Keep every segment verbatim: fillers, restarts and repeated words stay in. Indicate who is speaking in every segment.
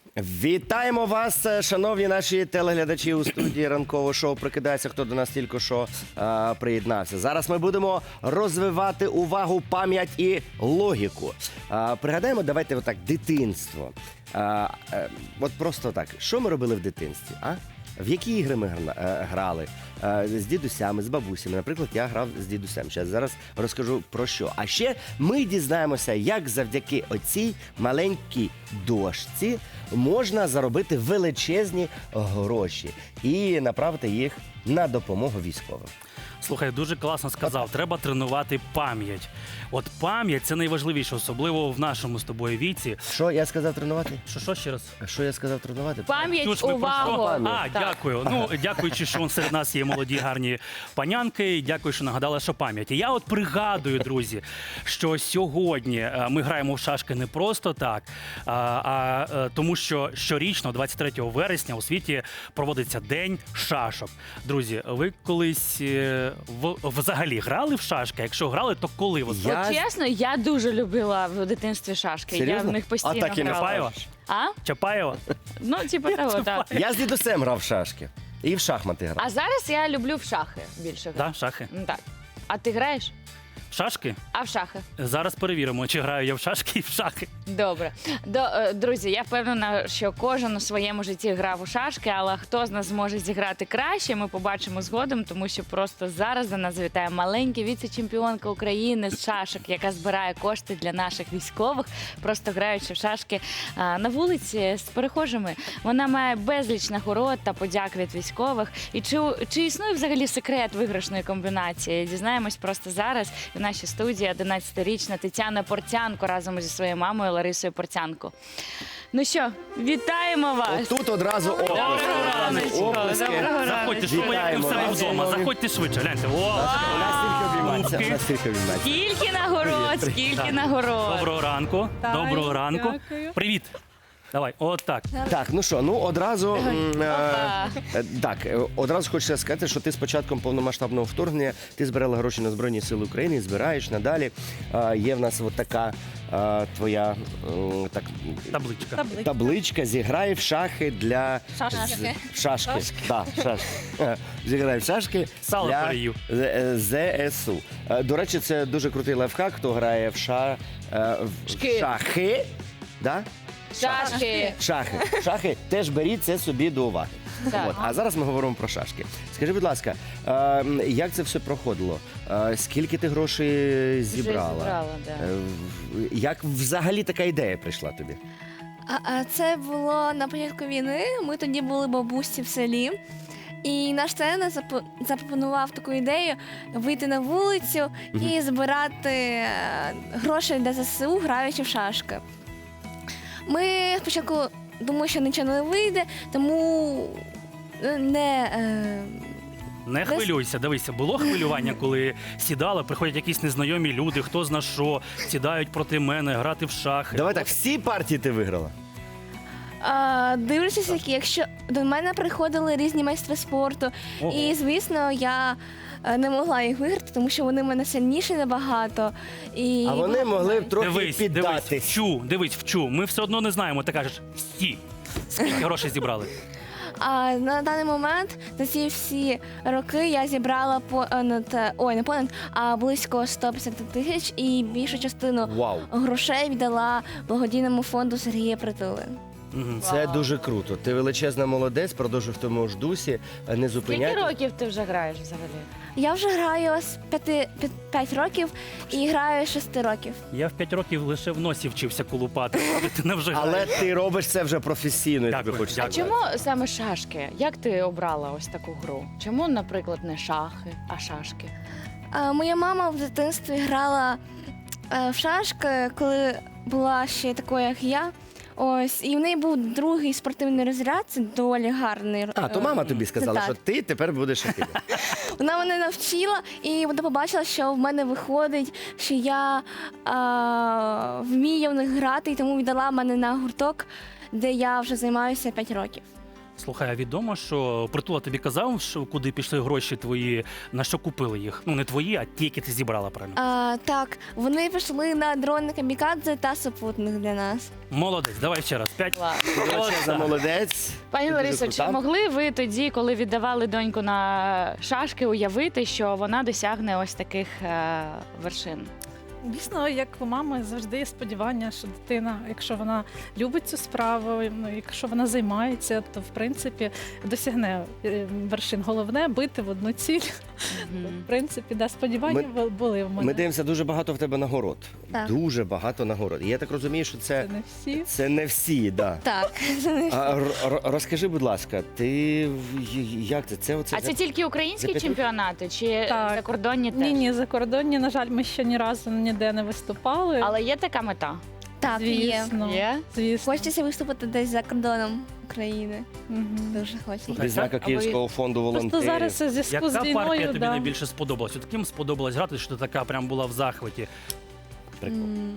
Speaker 1: Вітаємо вас, шановні наші телеглядачі у студії ранкового шоу «Прокидається», хто до нас тільки що е, приєднався. Зараз ми будемо розвивати увагу, пам'ять і логіку. Е, пригадаємо, давайте отак, дитинство. Е, е, от просто так, що ми робили в дитинстві, а? В які ігри ми грали? З дідусями, з бабусями. Наприклад, я грав з дідусем. Зараз, зараз розкажу про що. А ще ми дізнаємося, як завдяки оцій маленькій дошці можна заробити величезні гроші і направити їх на допомогу військовим.
Speaker 2: Слухай, дуже класно сказав. Треба тренувати пам'ять. От пам'ять – це найважливіше, особливо в нашому з тобою віці.
Speaker 1: Що я сказав тренувати?
Speaker 2: Що, що ще раз?
Speaker 1: Що я сказав тренувати?
Speaker 3: Пам'ять,
Speaker 2: Чуш, ми
Speaker 3: увагу.
Speaker 2: про що?
Speaker 1: Пам'ять.
Speaker 2: А, дякую. Ну, дякуючи, що серед нас є молоді гарні панянки. І дякую, що нагадали, що пам'ять. І я от пригадую, друзі, що сьогодні е, ми граємо в шашки не просто так, а, а е, тому що щорічно, двадцять третього вересня, у світі проводиться День шашок. Друзі, ви колись е, в, взагалі грали в шашки? Якщо грали, то коли? Ви
Speaker 1: Я-
Speaker 3: От чесно, я дуже любила в дитинстві шашки. Я
Speaker 1: Серйозно?
Speaker 3: в них постійно
Speaker 1: А так і не
Speaker 3: грала.
Speaker 2: Чапаєва?
Speaker 3: А?
Speaker 2: Чапаєва?
Speaker 3: Ну, типу того, так.
Speaker 1: Я з дідусем грав в шашки. І в шахмати грав.
Speaker 3: А зараз я люблю в шахи більше грати.
Speaker 2: Так, шахи.
Speaker 3: Ну, так. А ти граєш?
Speaker 2: В шашки?
Speaker 3: А в шахи?
Speaker 2: Зараз перевіримо, чи граю я в шашки і в шахи.
Speaker 3: Добре. До, е, друзі, я впевнена, що кожен у своєму житті грав у шашки, але хто з нас зможе зіграти краще, ми побачимо згодом, тому що просто зараз до нас завітає маленька віце-чемпіонка України з шашок, яка збирає кошти для наших військових, просто граючи в шашки а, на вулиці з перехожими. Вона має безліч нагород та подяк від військових. І чи, чи існує взагалі секрет виграшної комбінації? Дізнаємось просто зараз. В нашій студії одинадцятирічна Тетяна Портянко разом зі своєю мамою Ларисою Портянко. Ну що, вітаємо вас!
Speaker 1: Отут одразу оплески.
Speaker 3: Доброго раночку.
Speaker 1: Оплески.
Speaker 3: Доброго раночку.
Speaker 2: Заходьте, що ви як
Speaker 1: Вітаємо
Speaker 2: в себе
Speaker 1: вас.
Speaker 2: вдома. Заходьте швидше, гляньте. О,
Speaker 1: У нас тільки обіймається. У нас тільки обіймається.
Speaker 3: Скільки нагород, скільки
Speaker 2: Так.
Speaker 3: нагород!
Speaker 2: Доброго ранку.
Speaker 4: Так,
Speaker 2: Доброго ранку.
Speaker 4: дякую.
Speaker 2: Привіт. Давай, от так.
Speaker 1: Так, ну що, ну одразу м, е,
Speaker 3: Опа.
Speaker 1: е, так, е, одразу хочеться сказати, що ти з початком повномасштабного вторгнення ти збирала гроші на Збройні Сили України, і збираєш надалі. Е, Є в нас от така е, твоя м, так,
Speaker 2: Табличка.
Speaker 4: Табличка.
Speaker 1: табличка «Зіграй в шахи для
Speaker 4: Шашки.
Speaker 1: з- шашки». Так, шашки. Е, Зіграй в шашки
Speaker 2: Сало
Speaker 1: для
Speaker 2: переїв.
Speaker 1: З- е, ЗСУ. Е, До речі, це дуже крутий лайфхак, хто грає в, ша, е, в
Speaker 3: Шки.
Speaker 1: шахи. Да?
Speaker 3: Шашки!
Speaker 1: Шахи. Шахи теж беріть це собі до уваги.
Speaker 3: Так.
Speaker 1: От. А зараз ми говоримо про шашки. Скажи, будь ласка, е, як це все проходило? Е, скільки ти грошей зібрала?
Speaker 3: зібрала, да.
Speaker 1: Е, в- як взагалі така ідея прийшла тобі?
Speaker 4: А, а це було на початку війни. Ми тоді були бабусі в селі. І наш тренер запо- запропонував таку ідею вийти на вулицю і збирати е, гроші для ЗСУ, граючи в шашки. Ми спочатку думали, що нічого не вийде, тому е, не. Е,
Speaker 2: Не хвилюйся, дивися, було хвилювання, коли сідали, приходять якісь незнайомі люди, хто зна що, сідають проти мене, грати в шахи.
Speaker 1: Давай так, всі партії ти виграла?
Speaker 4: А, дивлячись, які, якщо до мене приходили різні майстри спорту,
Speaker 2: Ого.
Speaker 4: і звісно, я е, не могла їх виграти, тому що вони в мене сильніші набагато. І...
Speaker 1: А вони могли б трохи
Speaker 2: Дивись, дивись,
Speaker 1: піддатись.
Speaker 2: вчу, дивись, вчу. Ми все одно не знаємо, ти кажеш, всі. Скільки грошей зібрали?
Speaker 4: А на даний момент за ці всі роки я зібрала понад ой, не понад, а близько сто п'ятдесят тисяч, і більшу частину
Speaker 1: Вау.
Speaker 4: грошей віддала благодійному фонду Сергія Притули.
Speaker 2: Мгм.
Speaker 1: Це дуже круто. Ти величезна молодець, продовжуй в тому ж дусі, не
Speaker 3: Скільки
Speaker 1: зупиняйся.
Speaker 3: років ти вже граєш взагалі?
Speaker 4: Я вже граю з п'ять років і граю з шести років.
Speaker 2: Я в п'ять років лише в носі вчився колупати. Ти не вже
Speaker 1: Але
Speaker 2: граєш.
Speaker 1: ти робиш це вже професійно, я тобі
Speaker 2: Дякую,
Speaker 1: хочу
Speaker 2: дякую.
Speaker 1: сказати.
Speaker 3: Чому саме шашки? Як ти обрала ось таку гру? Чому, наприклад, не шахи, а шашки?
Speaker 4: А, моя мама в дитинстві грала е, в шашки, коли була ще такою, як я. Ось, і в неї був другий спортивний розряд, це доволі гарний.
Speaker 1: А, то
Speaker 4: е,
Speaker 1: мама тобі сказала,
Speaker 4: так.
Speaker 1: що ти тепер будеш шахи.
Speaker 4: Вона мене навчила, і вона побачила, що в мене виходить, що я а, вмію в них грати, і тому віддала мене на гурток, де я вже займаюся п'ять років.
Speaker 2: Слухай, а відомо, що Притула тобі казав, що куди пішли гроші твої, на що купили їх? Ну не твої, а ті, які ти зібрала, правильно?
Speaker 4: А, так, вони пішли на дрони камікадзе та супутник для нас.
Speaker 2: Молодець, давай ще раз. П'ять.
Speaker 3: Клас.
Speaker 1: Величезна молодець.
Speaker 3: Пані
Speaker 1: Ти дуже
Speaker 3: Ларисо, чи
Speaker 1: крута.
Speaker 3: могли ви тоді, коли віддавали доньку на шашки, уявити, що вона досягне ось таких е, вершин?
Speaker 5: Дійсно, як у мами завжди є сподівання, що дитина, якщо вона любить цю справу, ну, якщо вона займається, то в принципі досягне е, вершин. Головне бити в одну ціль. В принципі, да, сподівання
Speaker 1: Ми-
Speaker 5: були в мене.
Speaker 1: Ми дивимося дуже багато в тебе нагород.
Speaker 4: Так.
Speaker 1: Дуже багато нагород. І я так розумію, що це,
Speaker 5: Це не всі.
Speaker 1: це не всі, да.
Speaker 4: Так.
Speaker 1: А, р- р- розкажи, будь ласка, ти в- як це? Це оце
Speaker 3: А це тільки українські
Speaker 1: за п'ять
Speaker 3: чемпіонати чи
Speaker 5: Так.
Speaker 3: закордонні теж?
Speaker 5: Ні, ні, закордонні, на жаль, ми ще ні разу ніде не виступали.
Speaker 3: Але є така мета?
Speaker 4: Так, є.
Speaker 5: Звісно.
Speaker 3: Є?
Speaker 5: Звісно.
Speaker 4: Хочеться виступити десь за кордоном України.
Speaker 5: Мгм.
Speaker 4: Дуже хочеться.
Speaker 1: відзнака
Speaker 3: А ви-
Speaker 1: Київського фонду
Speaker 5: Просто
Speaker 1: волонтерів.
Speaker 5: зараз у зв'язку
Speaker 2: Яка
Speaker 5: з
Speaker 2: партія
Speaker 5: війною,
Speaker 2: тобі
Speaker 5: да.
Speaker 2: найбільше сподобалась? От ким сподобалось грати, що ти така прям була в захваті?
Speaker 1: Прикол.
Speaker 4: М,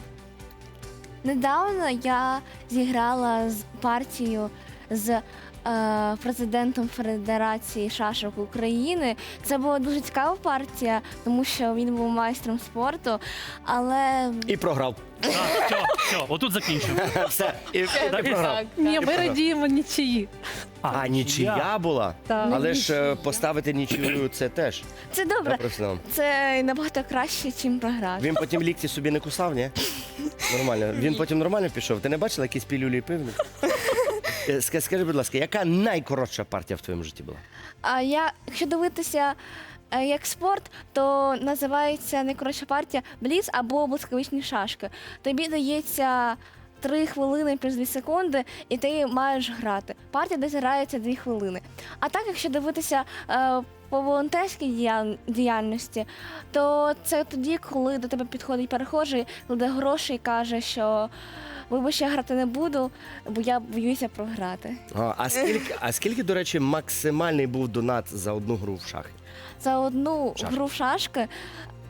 Speaker 4: Недавно я зіграла з партією з е, президентом Федерації шашок України. Це була дуже цікава партія, тому що він був майстром спорту, але
Speaker 1: І програв.
Speaker 2: Так, все, все, отут закінчуємо.
Speaker 1: Все, і, і програв.
Speaker 5: Ні, ми
Speaker 1: правда.
Speaker 5: радіємо нічиї.
Speaker 1: А, нічия була?
Speaker 5: Так.
Speaker 1: Але ж е, поставити нічию це теж.
Speaker 4: це
Speaker 1: Я
Speaker 4: добре.
Speaker 1: професіонал.
Speaker 4: Це набагато краще, ніж програти.
Speaker 1: Він потім лікті собі не кусав, ні? Нормально. Він потім нормально пішов. Ти не бачила якісь пілюлі і пивні? Е, ска- Скажи, будь ласка, яка найкоротша партія в твоєму житті була?
Speaker 4: А я, якщо дивитися е, як спорт, то називається найкоротша партія бліц або блискавичні шашки. Тобі дається три хвилини плюс дві секунди, і ти маєш грати. Партія десь грається дві хвилини. А так, якщо дивитися е, по волонтерській діял- діяльності, то це тоді, коли до тебе підходить перехожий, кладе гроші і каже, що вибач, я грати не буду, бо я боюся програти.
Speaker 1: А, а скільки, а скільки, до речі, максимальний був донат за одну гру в шахи?
Speaker 4: За одну
Speaker 1: Шашки.
Speaker 4: гру в шашки е,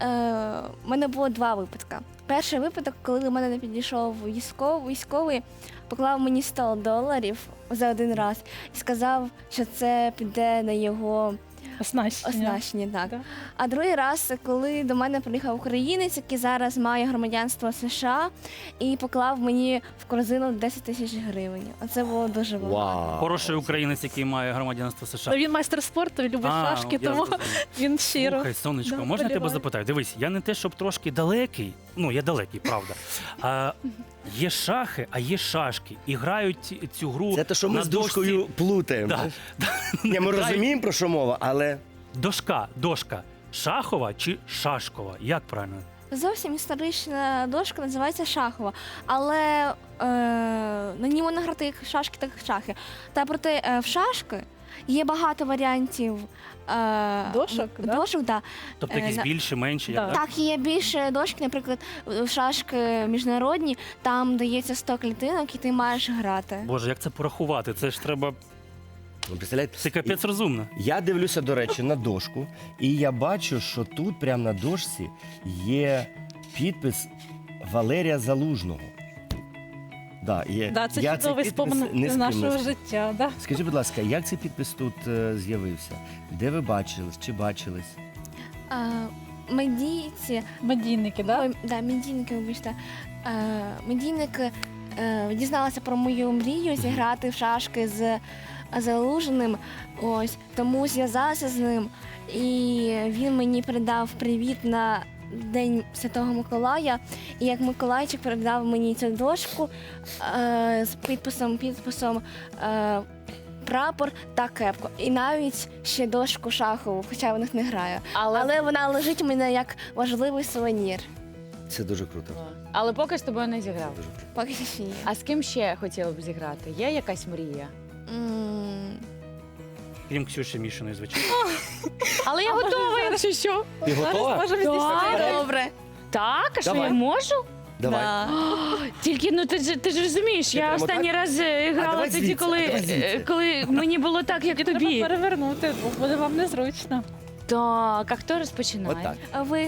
Speaker 4: в мене було два випадки. Перший випадок, коли до мене не підійшов військовий, військовий, поклав мені сто доларів за один раз і сказав, що це піде на його
Speaker 5: Оснащення.
Speaker 4: оснащення. Так.
Speaker 5: Да.
Speaker 4: А другий раз, коли до мене приїхав українець, який зараз має громадянство США, і поклав мені в корзину десять тисяч гривень. Оце було дуже багато.
Speaker 1: Вау.
Speaker 2: Хороший українець, який має громадянство США.
Speaker 5: Ну, він майстер спорту, він любить
Speaker 2: А,
Speaker 5: шашки,
Speaker 2: я
Speaker 5: тому
Speaker 2: зрозумів.
Speaker 5: він щиро.
Speaker 2: Слухай, сонечко,
Speaker 5: Да,
Speaker 2: можна я тебе
Speaker 5: боліваю.
Speaker 2: запитаю? Дивись, я не те, щоб трошки далекий, ну я далекий, правда. А, є шахи, а є шашки. І грають ці- цю гру
Speaker 1: Це те, що ми
Speaker 2: на
Speaker 1: з
Speaker 2: дошці.
Speaker 1: дошкою плутаємо.
Speaker 2: Да.
Speaker 1: Ні, ми
Speaker 2: Грають-
Speaker 1: розуміємо, про що мова, але
Speaker 2: Дошка, дошка. Шахова чи шашкова? Як правильно?
Speaker 4: Зовсім історична дошка називається шахова, але е, на ній можна грати як шашки, так і шахи. Та проте е, в шашки є багато варіантів е,
Speaker 5: Дошок, да?
Speaker 4: дошок да.
Speaker 2: Тобто
Speaker 4: Е,
Speaker 2: якісь
Speaker 4: на-
Speaker 2: більше, менші,
Speaker 5: Да.
Speaker 2: як, так?
Speaker 4: Так, є більше дошки, наприклад, в шашки міжнародні, там дається сто клітинок і ти маєш грати.
Speaker 2: Боже, як це порахувати? Це ж треба.
Speaker 1: ви представляєте?
Speaker 2: Це капець розумно.
Speaker 1: Я дивлюся, до речі, на дошку, і я бачу, що тут прямо на дошці є підпис Валерія Залужного. Да, є.
Speaker 5: Да, це
Speaker 1: Я цей
Speaker 5: чудовий
Speaker 1: підпис
Speaker 5: спомин
Speaker 1: не
Speaker 5: з
Speaker 1: з ким не
Speaker 5: нашого
Speaker 1: спів-
Speaker 5: життя. Да?
Speaker 1: Скажіть, будь ласка, як цей підпис тут е, з'явився? Де ви бачились? Чи бачились?
Speaker 4: А, медійці,
Speaker 5: Медійники, да?
Speaker 4: ой, да, медійники, вибачте. А, медійники е, дізналися про мою мрію зіграти в шашки з Залужним. Ось тому зв'язалася з ним, і він мені передав привіт на День Святого Миколая. І як Миколайчик передав мені цю дошку е, з підписом, підписом. Е, Прапор та кепку. І навіть ще дошку шахову, хоча в них не граю.
Speaker 3: Але,
Speaker 4: Але вона лежить у мене як важливий сувенір.
Speaker 1: Це дуже круто.
Speaker 3: але поки з тобою не зіграв.
Speaker 1: Дуже круто.
Speaker 4: Поки що ні.
Speaker 3: А з ким ще хотіла б зіграти? Є якась мрія?
Speaker 4: М,
Speaker 2: Крім Ксюші Мішиної, звичайно.
Speaker 3: Але я готова, якщо що.
Speaker 1: Ти готова?
Speaker 5: Можемо
Speaker 3: Так.
Speaker 5: здійснити.
Speaker 4: Добре.
Speaker 3: Так, а що
Speaker 1: Давай.
Speaker 3: я можу?
Speaker 1: Давай.
Speaker 4: Да.
Speaker 3: Тільки ну ти ж ти ж розумієш,
Speaker 1: Ти
Speaker 3: я
Speaker 1: прямо
Speaker 3: останній
Speaker 1: так?
Speaker 3: раз е,
Speaker 1: А
Speaker 3: грала
Speaker 1: давай
Speaker 3: тоді,
Speaker 1: звідси,
Speaker 3: коли,
Speaker 1: а давай звідси.
Speaker 3: е, коли мені було так, як
Speaker 5: Треба
Speaker 3: тобі.
Speaker 5: перевернути, бо буде вам незручно.
Speaker 3: Так, а хто розпочинає?
Speaker 1: Отак.
Speaker 4: А ви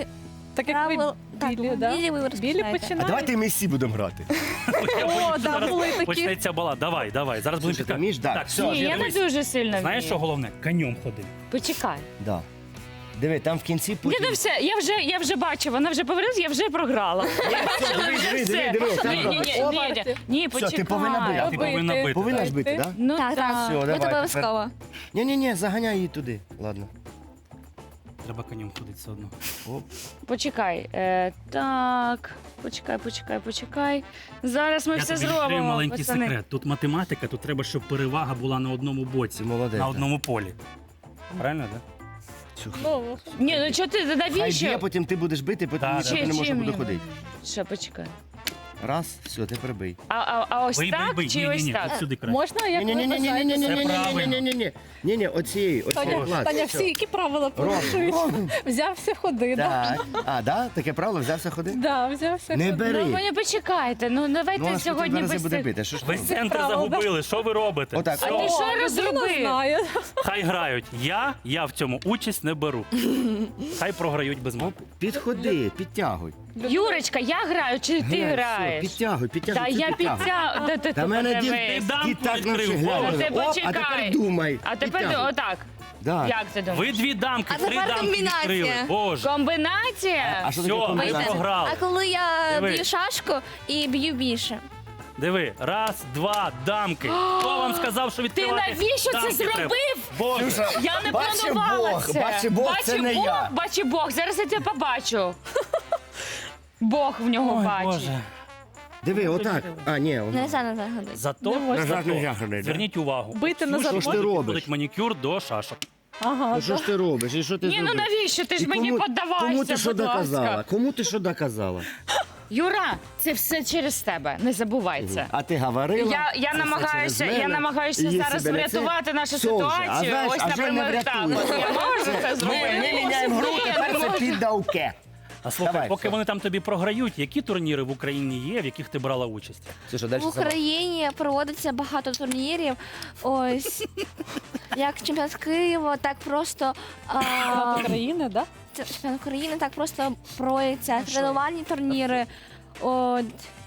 Speaker 5: Так як ви
Speaker 4: Правил- так,
Speaker 5: білі, да?
Speaker 4: білі ви
Speaker 5: білі
Speaker 4: розпочинаєте.
Speaker 1: А
Speaker 5: починають.
Speaker 1: давайте ми всі будемо грати.
Speaker 2: Я боюсь, що
Speaker 5: да,
Speaker 2: зараз
Speaker 5: були такі.
Speaker 2: почнеться бала. Давай, давай. Зараз будемо
Speaker 1: Слушай, ти
Speaker 2: підказувати.
Speaker 1: вмієш? Да.
Speaker 2: Так,
Speaker 1: Все,
Speaker 2: все,
Speaker 3: Ні, я не
Speaker 2: дивись.
Speaker 3: дуже сильно
Speaker 2: Знаєш, що
Speaker 3: вмію.
Speaker 2: головне? Конем ходи.
Speaker 3: Почекай.
Speaker 1: Да. Диви, там в кінці
Speaker 3: Ні,
Speaker 1: потім...
Speaker 3: ну все, я вже, я вже бачу, вона вже повернулася, я вже програла. Я бачила
Speaker 1: диви,
Speaker 3: вже
Speaker 1: диви,
Speaker 3: все.
Speaker 1: диви, диви,
Speaker 3: Ні,
Speaker 1: там
Speaker 3: ні, ні,
Speaker 1: робиш.
Speaker 3: ні, ні, ні,
Speaker 1: Все,
Speaker 3: почекай.
Speaker 1: ти повинна бити.
Speaker 2: Ти повинна бити.
Speaker 1: Повинна ж бити,
Speaker 5: Бити.
Speaker 1: так?
Speaker 3: Ну
Speaker 4: Так, так.
Speaker 1: Все,
Speaker 4: Ми
Speaker 1: давай,
Speaker 4: тебе
Speaker 1: тепер.
Speaker 4: обов'язково.
Speaker 1: Ні-ні-ні, заганяй її туди. Ладно.
Speaker 2: Треба конем ходити все одно.
Speaker 1: Оп.
Speaker 3: Почекай. Е, так, почекай, почекай, почекай. Зараз ми
Speaker 2: Я
Speaker 3: все
Speaker 2: тобі відкрию
Speaker 3: зробимо.
Speaker 2: маленький
Speaker 3: пацани.
Speaker 2: секрет. Тут математика, тут треба, щоб перевага була на одному боці,
Speaker 1: Ти молодець.
Speaker 2: на
Speaker 1: да.
Speaker 2: одному полі. Правильно, так?
Speaker 1: Цю-
Speaker 5: Ну,
Speaker 3: Ні, ну чого ти,
Speaker 1: Хай
Speaker 3: навіщо?
Speaker 1: б'є, потім ти будеш бити, потім
Speaker 2: Так,
Speaker 1: ніхто
Speaker 2: так.
Speaker 1: не може
Speaker 3: Чим
Speaker 1: буде
Speaker 3: я
Speaker 1: ходити.
Speaker 3: буду? Що, почекай.
Speaker 1: Раз, все, ти прибий.
Speaker 3: А, а, а ось
Speaker 2: Бий, бий,
Speaker 3: так
Speaker 2: бий.
Speaker 3: чи
Speaker 2: Ні,
Speaker 3: ось
Speaker 2: ні, ні,
Speaker 3: так?
Speaker 2: от сюди краще.
Speaker 5: можна, як ви вважаєте?
Speaker 1: Ні-ні-ні-ні-ні-ні-ні-ні-ні-ні-ні. Ні-ні, оцієї,
Speaker 5: Таня,
Speaker 1: оцієї клас.
Speaker 5: Таня, всі які правила
Speaker 1: Ром,
Speaker 5: порушують?
Speaker 1: Ром.
Speaker 5: Взявся ходи, да?
Speaker 1: Так. А, да? Таке правило, взявся ходи?
Speaker 5: Да, взявся
Speaker 1: Не
Speaker 5: ходи.
Speaker 1: бери.
Speaker 3: Ну, ви не почекайте, ну
Speaker 1: Ну,
Speaker 3: давайте
Speaker 1: а що ти
Speaker 3: сьогодні
Speaker 1: два рази
Speaker 3: без
Speaker 1: буде
Speaker 3: цих.
Speaker 1: бити? Що ж ти
Speaker 2: Весь
Speaker 1: робиш?
Speaker 2: центр
Speaker 5: Правда.
Speaker 2: загубили. Що ви робите?
Speaker 1: Отак.
Speaker 2: Все,
Speaker 3: А ти що
Speaker 5: О, людина
Speaker 3: розробив?
Speaker 5: знає.
Speaker 2: Хай грають. Я, я в цьому участь не беру. Хай програють без мене.
Speaker 1: Підходи, підтягуй.
Speaker 3: Юрочка, я граю чи ти
Speaker 1: Глянь, все,
Speaker 3: граєш?
Speaker 1: Підтягуй, підтягуй.
Speaker 3: Та
Speaker 1: це
Speaker 3: я
Speaker 1: підтягуй.
Speaker 3: підтягую. Та ти
Speaker 1: Та мене дід,
Speaker 3: подивись.
Speaker 2: дамку
Speaker 1: дід так
Speaker 2: відкрив.
Speaker 1: навчив. Глянь,
Speaker 3: А ти
Speaker 1: оп, а
Speaker 3: почекай.
Speaker 1: тепер думай.
Speaker 3: А тепер
Speaker 1: Підтягуй.
Speaker 3: отак.
Speaker 1: Да.
Speaker 3: Як ти думаєш?
Speaker 2: Ви дві дамки,
Speaker 4: А
Speaker 2: три
Speaker 4: тепер
Speaker 2: дамки
Speaker 4: комбінація.
Speaker 2: відкрили. Боже.
Speaker 3: Комбінація?
Speaker 1: А що таке
Speaker 2: Все, ми
Speaker 1: комбінація?
Speaker 2: програли.
Speaker 4: А коли я
Speaker 2: Диви.
Speaker 4: б'ю шашку і б'ю більше.
Speaker 2: Диви, раз, два, дамки. Хто вам сказав, що
Speaker 3: Ти
Speaker 2: відкривати
Speaker 3: навіщо це
Speaker 2: дамки треба?
Speaker 3: зробив?
Speaker 2: Боже.
Speaker 3: Я не
Speaker 1: Бачи
Speaker 3: планувала
Speaker 1: Бог,
Speaker 3: це.
Speaker 1: бачи Бог, це
Speaker 3: Бачи
Speaker 1: не
Speaker 3: Бог,
Speaker 1: я.
Speaker 3: бачи Бог. Зараз я тебе побачу. Бог в нього
Speaker 2: Ой,
Speaker 3: бачить.
Speaker 2: Боже.
Speaker 1: Диви, отак. А, ні,
Speaker 4: Не за не загадати.
Speaker 2: Зато,
Speaker 5: Не можна.
Speaker 2: зато
Speaker 1: Нажати ходити, да?
Speaker 2: зверніть увагу.
Speaker 5: Бити на
Speaker 2: Ксюша
Speaker 1: Що ж ти
Speaker 2: сьогодні
Speaker 1: робиш?
Speaker 2: підходить манікюр до шашок.
Speaker 5: Ага,
Speaker 1: Ну що ж ти робиш? І що ти
Speaker 3: Ні, ну
Speaker 1: зробив?
Speaker 3: навіщо? Ти ж
Speaker 1: І
Speaker 3: мені
Speaker 1: кому-
Speaker 3: поддавайся,
Speaker 1: Кому ти що
Speaker 3: будь ласка.
Speaker 1: доказала? Кому ти що доказала?
Speaker 3: Юра, це все через тебе. Не забувай це.
Speaker 1: А ти говорила?
Speaker 3: Я, я
Speaker 1: це
Speaker 3: намагаюся,
Speaker 1: все через
Speaker 3: я
Speaker 1: мене.
Speaker 3: намагаюся
Speaker 1: І є
Speaker 3: зараз
Speaker 1: себе лице.
Speaker 3: врятувати нашу
Speaker 1: Все вже. А
Speaker 3: ситуацію.
Speaker 1: знаєш,
Speaker 3: Ось,
Speaker 1: а вже не
Speaker 3: наприклад, так.
Speaker 1: врятуєш.
Speaker 3: От Я можу це
Speaker 1: Ми,
Speaker 3: зробити.
Speaker 1: ми міняємо гру,
Speaker 3: Ні,
Speaker 1: тепер
Speaker 3: ну,
Speaker 1: це піддавке.
Speaker 2: А слухай,
Speaker 1: Давай,
Speaker 2: поки
Speaker 1: все.
Speaker 2: вони там тобі програють, які турніри в Україні є, в яких ти брала участь?
Speaker 1: Це що, далі
Speaker 4: В Україні проводиться багато турнірів. Ось як чемпіонат Києва, так просто а,
Speaker 5: України, да?
Speaker 4: це чемпіонат України, так просто проводяться тренувальні турніри. От,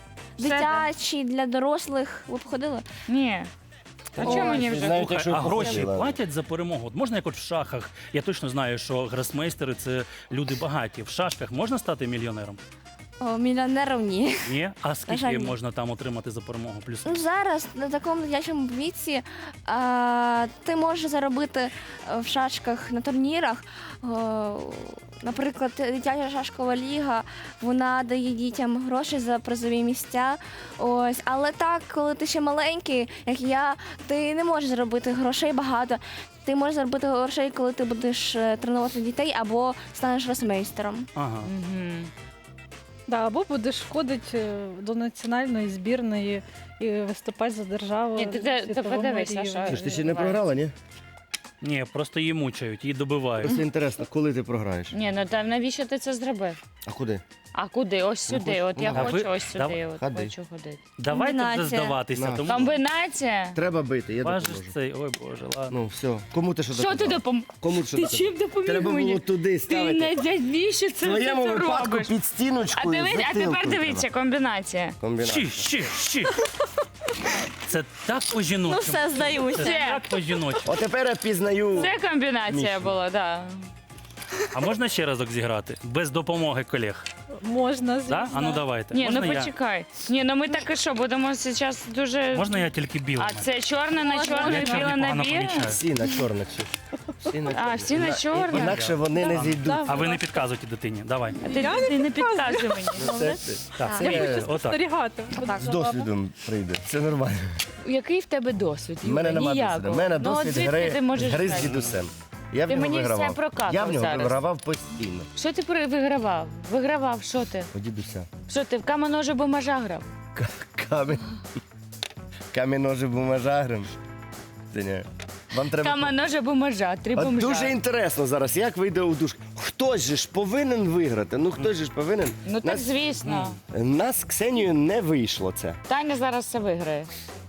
Speaker 4: дитячі для дорослих. Ви б ходили?
Speaker 3: Ні. А чому мені вже?
Speaker 1: Знаєте,
Speaker 2: Слухай,
Speaker 1: що
Speaker 2: а гроші
Speaker 1: походила?
Speaker 2: платять за перемогу? От можна як от в шахах? Я точно знаю, що гросмейстери – це люди багаті. В шашках можна стати мільйонером?
Speaker 4: О, мільйонерів ні.
Speaker 2: Ні? А
Speaker 4: жаль,
Speaker 2: скільки
Speaker 4: ні.
Speaker 2: можна там отримати за перемогу? Плюс
Speaker 4: Ну, зараз на такому дитячому віці а, ти можеш заробити е, в шашках на турнірах. О, наприклад, дитяча шашкова ліга, вона дає дітям гроші за призові місця. Ось, але так, коли ти ще маленький, як я, ти не можеш заробити грошей багато. Ти можеш заробити грошей, коли ти будеш е, тренувати дітей або станеш росмейстером.
Speaker 2: ага.
Speaker 3: Мгм.
Speaker 5: Да, або будеш входити до національної збірної і виступати за державу.
Speaker 3: Ні, ти- ти-
Speaker 5: на
Speaker 3: ти
Speaker 5: світовому
Speaker 3: подивись,
Speaker 5: рівні.
Speaker 3: Саша.
Speaker 1: Ти ж ти ще не програла, ні?
Speaker 2: Ні, просто її мучають, її добивають.
Speaker 1: Просто інтересно, коли ти програєш?
Speaker 3: Ні, ну там навіщо ти це зробив?
Speaker 1: А куди?
Speaker 3: А куди? Ось сюди. От я
Speaker 2: А
Speaker 3: хочу
Speaker 2: ви-
Speaker 3: ось сюди.
Speaker 2: Давай,
Speaker 3: От
Speaker 1: ходи.
Speaker 3: хочу ходити.
Speaker 2: Давайте вже
Speaker 4: Комбінація.
Speaker 2: здаватися.
Speaker 1: На.
Speaker 2: Тому
Speaker 3: Комбінація?
Speaker 1: Треба бити, я
Speaker 2: важиш
Speaker 1: допоможу.
Speaker 2: цей. Ой, Боже, ладно.
Speaker 1: Ну, все. Кому ти що
Speaker 3: Що
Speaker 1: доказала?
Speaker 3: ти допом...
Speaker 1: Кому ти що
Speaker 3: Ти
Speaker 1: доказала?
Speaker 3: чим допоміг
Speaker 1: Треба
Speaker 3: мені?
Speaker 1: було туди
Speaker 3: Ти
Speaker 1: ставити.
Speaker 3: навіщо це
Speaker 1: В твоєму
Speaker 3: це
Speaker 1: випадку
Speaker 3: робиш?
Speaker 1: під
Speaker 3: А,
Speaker 1: стіночкою.
Speaker 3: дивись, а
Speaker 1: затилком
Speaker 3: тепер дивіться,
Speaker 1: треба.
Speaker 3: комбінація.
Speaker 1: Комбінація.
Speaker 2: Щі, щі, щі. Це так по-жіночому.
Speaker 4: Ну все, здаюся.
Speaker 2: Це так по-жіночому.
Speaker 1: От тепер я пізнаю.
Speaker 3: Це комбінація
Speaker 1: Мішу.
Speaker 3: була, так.
Speaker 2: А можна ще разок зіграти? Без допомоги колег.
Speaker 5: Можна, звісно.
Speaker 2: Да? А ну давайте.
Speaker 3: Ні,
Speaker 2: можна
Speaker 3: ну
Speaker 2: я?
Speaker 3: почекай. Ні, ну ми так і що, будемо зараз дуже...
Speaker 2: Можна я тільки білий?
Speaker 3: А це чорне на
Speaker 4: Можна.
Speaker 3: чорне,
Speaker 2: Я чорний
Speaker 3: біле на
Speaker 2: погано
Speaker 3: біле?
Speaker 2: помічаю.
Speaker 1: Всі на чорних. Ксюш. Всі на
Speaker 3: А,
Speaker 1: чорних.
Speaker 3: всі на
Speaker 1: Іна-
Speaker 3: чорних?
Speaker 1: Інакше вони не
Speaker 5: Да.
Speaker 1: зійдуть.
Speaker 5: Да.
Speaker 2: А ви не підказуєте дитині. Давай.
Speaker 3: А ти, ти не підказуй мені.
Speaker 1: Ну, це-
Speaker 2: Так,
Speaker 1: це
Speaker 5: Я
Speaker 1: я
Speaker 5: хочу
Speaker 2: Отак.
Speaker 5: спостерігати. буду
Speaker 4: Так.
Speaker 1: з
Speaker 5: за вами.
Speaker 1: досвідом прийде. Це нормально.
Speaker 3: Який в тебе досвід?
Speaker 1: У мене
Speaker 3: Юра?
Speaker 1: немає
Speaker 3: Ніякого.
Speaker 1: досвіду. У мене
Speaker 3: Ну, от
Speaker 1: досвід
Speaker 3: звідки
Speaker 1: гри,
Speaker 3: ти можеш
Speaker 1: гри з
Speaker 3: знати?
Speaker 1: дідусем. Я в
Speaker 3: Ти
Speaker 1: нього
Speaker 3: мені все
Speaker 1: вигравав.
Speaker 3: прокакав
Speaker 1: Я в нього
Speaker 3: зараз.
Speaker 1: вигравав постійно.
Speaker 3: Що ти при- вигравав? Вигравав, що ти?
Speaker 1: У дідуся.
Speaker 3: Що ти в каменоже бумажа грав?
Speaker 1: К- Камінь. Камінь ножи бумажа грим. Це ні. Вам треба...
Speaker 3: Каменоже бумажа, три
Speaker 1: От
Speaker 3: бомжа.
Speaker 1: дуже інтересно зараз, як вийде у душ. Хтось же ж повинен виграти. Ну хтось же ж повинен.
Speaker 3: Ну так
Speaker 1: Нас,
Speaker 3: звісно.
Speaker 1: нас з Ксенією не вийшло це.
Speaker 3: Таня зараз все виграє.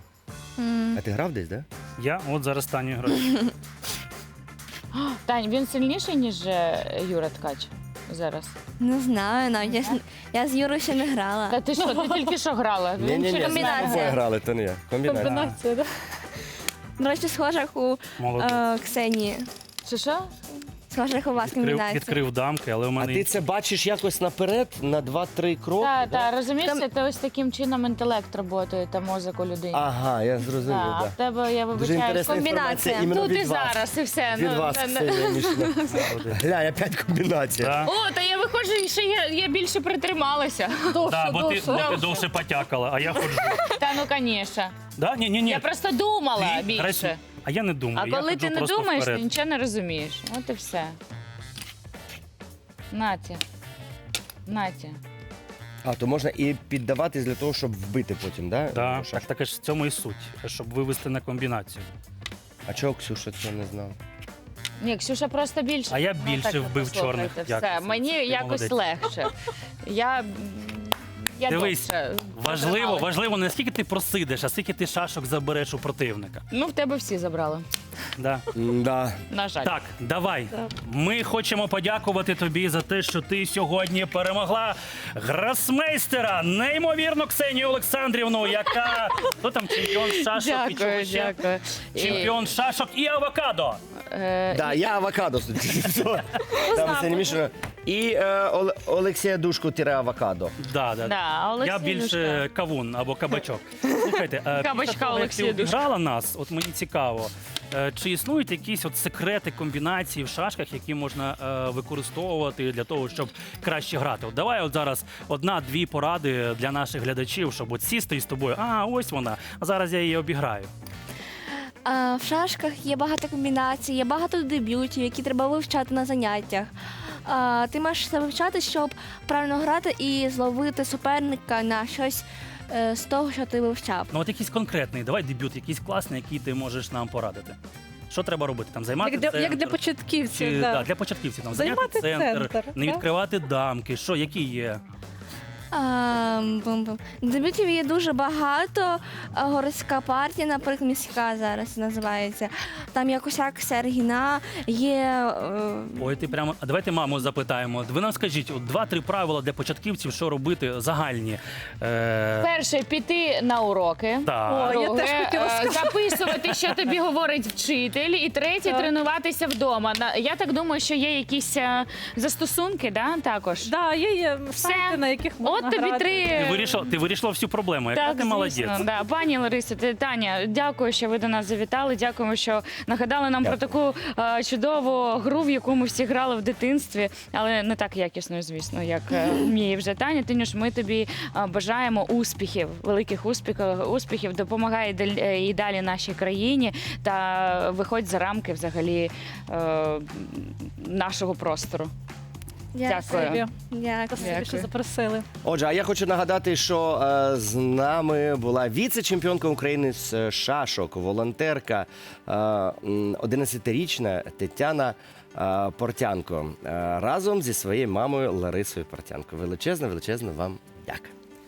Speaker 1: А ти грав десь, так?
Speaker 2: Я от зараз Таню граю.
Speaker 3: Тань, він сильніший, ніж е, Юра Ткач? зараз?
Speaker 4: Не знаю, навіть я, ж- я з Юрою ще не грала.
Speaker 3: Та ти що, ти тільки що грала?
Speaker 1: Ні, ні, ні,
Speaker 3: через
Speaker 1: з
Speaker 4: комбінація.
Speaker 1: тобою грали, то не я. Комбінація.
Speaker 5: Комбінація, да?
Speaker 4: До речі, схожа як у
Speaker 2: Молодець.
Speaker 4: е, Ксенії.
Speaker 3: Що що?
Speaker 4: Схожа як у вас
Speaker 2: Відкрив,
Speaker 4: комбінація.
Speaker 2: відкрив дамки, але у
Speaker 1: А
Speaker 2: мене
Speaker 1: ти це бачиш якось наперед, на два-три кроки?
Speaker 3: Так,
Speaker 1: да?
Speaker 3: так, розумієш,
Speaker 4: Там-
Speaker 3: це ти ось таким чином інтелект працює та мозок у людини.
Speaker 1: Ага, я зрозумів,
Speaker 3: Так, а
Speaker 1: так.
Speaker 3: в тебе, я
Speaker 1: Дуже
Speaker 3: вибачаю,
Speaker 1: інтересна
Speaker 4: комбінація.
Speaker 1: інформація іменно
Speaker 3: тут і
Speaker 1: від вас.
Speaker 3: зараз, і все.
Speaker 1: Від
Speaker 3: ну,
Speaker 1: вас,
Speaker 3: не- не-
Speaker 1: Ксенія Мішина. Глянь, опять комбінація.
Speaker 2: Да.
Speaker 3: О, та я виходжу, і ще я, я більше притрималася.
Speaker 5: Довше,
Speaker 2: Да, бо ти,
Speaker 5: довше.
Speaker 2: бо ти довше потякала, а я ходжу.
Speaker 3: Та ну, звісно.
Speaker 2: Да? Ні, ні, ні.
Speaker 3: Я просто думала
Speaker 2: Ти
Speaker 3: більше.
Speaker 2: грай- А я не думаю.
Speaker 3: А
Speaker 2: я
Speaker 3: коли
Speaker 2: ходжу
Speaker 3: ти не
Speaker 2: просто
Speaker 3: думаєш,
Speaker 2: вперед.
Speaker 3: ти нічого не розумієш. От і все. Наті. Наті.
Speaker 1: А, то можна і піддаватись для того, щоб вбити потім, да?
Speaker 2: Да,
Speaker 1: Шашку?
Speaker 2: так, таке ж в цьому і суть, щоб вивести на комбінацію.
Speaker 1: А чого Ксюша це не знав?
Speaker 3: Ні, Ксюша просто більше.
Speaker 2: А я
Speaker 3: Ну,
Speaker 2: більше
Speaker 3: так,
Speaker 2: вбив
Speaker 3: послухайте,
Speaker 2: чорних.
Speaker 3: Все,
Speaker 2: Дякую.
Speaker 3: мені
Speaker 2: Ти
Speaker 3: якось
Speaker 2: молодець.
Speaker 3: легше. Я, м, я
Speaker 2: Дивись,
Speaker 3: довше
Speaker 2: Важливо,
Speaker 3: протрималась.
Speaker 2: важливо не скільки ти просидиш, а скільки ти шашок забереш у противника.
Speaker 3: Ну, в тебе всі забрали.
Speaker 2: Да.
Speaker 1: Да.
Speaker 3: На жаль.
Speaker 2: Так, давай.
Speaker 5: Так.
Speaker 2: Ми хочемо подякувати тобі за те, що ти сьогодні перемогла гросмейстера, неймовірно Ксенію Олександрівну, яка хто там чемпіон шашок і чого
Speaker 3: Дякую,
Speaker 2: ще?
Speaker 3: дякую. І,
Speaker 2: Чемпіон шашок і авокадо.
Speaker 3: е,
Speaker 1: Да, я авокадо. Там Ксенія Мішина. І е, Оле- Олексія Душко тире авокадо.
Speaker 2: Да, да.
Speaker 3: Да, а Олексій
Speaker 2: Я більше
Speaker 3: Душка.
Speaker 2: кавун або кабачок. Слухайте, е,
Speaker 3: Кабачка
Speaker 2: після того, як
Speaker 3: Олексія
Speaker 2: ти
Speaker 3: Душка.
Speaker 2: обіграла нас, от мені цікаво, е, чи існують якісь от секрети комбінації в шашках, які можна е, використовувати для того, щоб краще грати? От давай от зараз одна-дві поради для наших глядачів, щоб от сісти із тобою. А, ось вона. А зараз я її обіграю.
Speaker 4: А, в шашках є багато комбінацій, є багато дебютів, які треба вивчати на заняттях. А, ти маєш це вивчати, щоб правильно грати і зловити суперника на щось е, з того, що ти вивчав.
Speaker 2: Ну от якийсь конкретний, давай дебют, якийсь класний, який ти можеш нам порадити. Що треба робити? Там займати
Speaker 5: Як для,
Speaker 2: центр?
Speaker 5: як для початківців.
Speaker 2: Чи,
Speaker 5: да.
Speaker 2: да, для початківців там
Speaker 5: Займати
Speaker 2: зайняти центр,
Speaker 5: центр,
Speaker 2: не
Speaker 5: так.
Speaker 2: відкривати дамки. Що, які є?
Speaker 4: А, бум-бум. Дебютів є дуже багато. А, Городська партія, наприклад, міська зараз називається. Там є Косяк Сергіна, є. е,
Speaker 2: Ой, ти прямо. А давайте маму запитаємо. Ви нам скажіть, от два-три правила для початківців, що робити загальні. Е,
Speaker 3: Перше, піти на уроки.
Speaker 2: так.
Speaker 5: Ой, я
Speaker 3: Друге,
Speaker 5: теж хотіла
Speaker 3: е,
Speaker 5: сказати.
Speaker 3: записувати, що тобі говорить вчитель. І третє,
Speaker 5: Так.
Speaker 3: тренуватися вдома. На- Я так думаю, що є якісь е, застосунки, да, також.
Speaker 5: Да, є, є сайти, на яких можна
Speaker 3: От тобі
Speaker 5: грати.
Speaker 3: три.
Speaker 2: Ти вирішила, ти вирішила всю проблему. Яка
Speaker 3: Так,
Speaker 2: ти молодець.
Speaker 3: звісно, да. Пані Ларисо, ти, Таня, дякую, що ви до нас завітали. Дякуємо, що нагадали нам
Speaker 1: Дякую.
Speaker 3: про таку е, чудову гру, в яку ми всі грали в дитинстві, але не так якісно, звісно, як е, вміє вже Таня. Тинюш, ми тобі е, бажаємо успіхів, великих успіхів, успіхів. Допомагай дал- е, і далі нашій країні та виходь за рамки взагалі е, нашого простору. Дякую.
Speaker 5: Спасибі.
Speaker 4: Дякую.
Speaker 5: Спасибі, що
Speaker 3: Дякую.
Speaker 5: запросили.
Speaker 1: Отже, а я хочу нагадати, що е, з нами була віце-чемпіонка України з е, шашок, волонтерка, е, м, одинадцятирічна Тетяна е, Портянко е, разом зі своєю мамою Ларисою Портянко. Величезна, величезна вам дяка.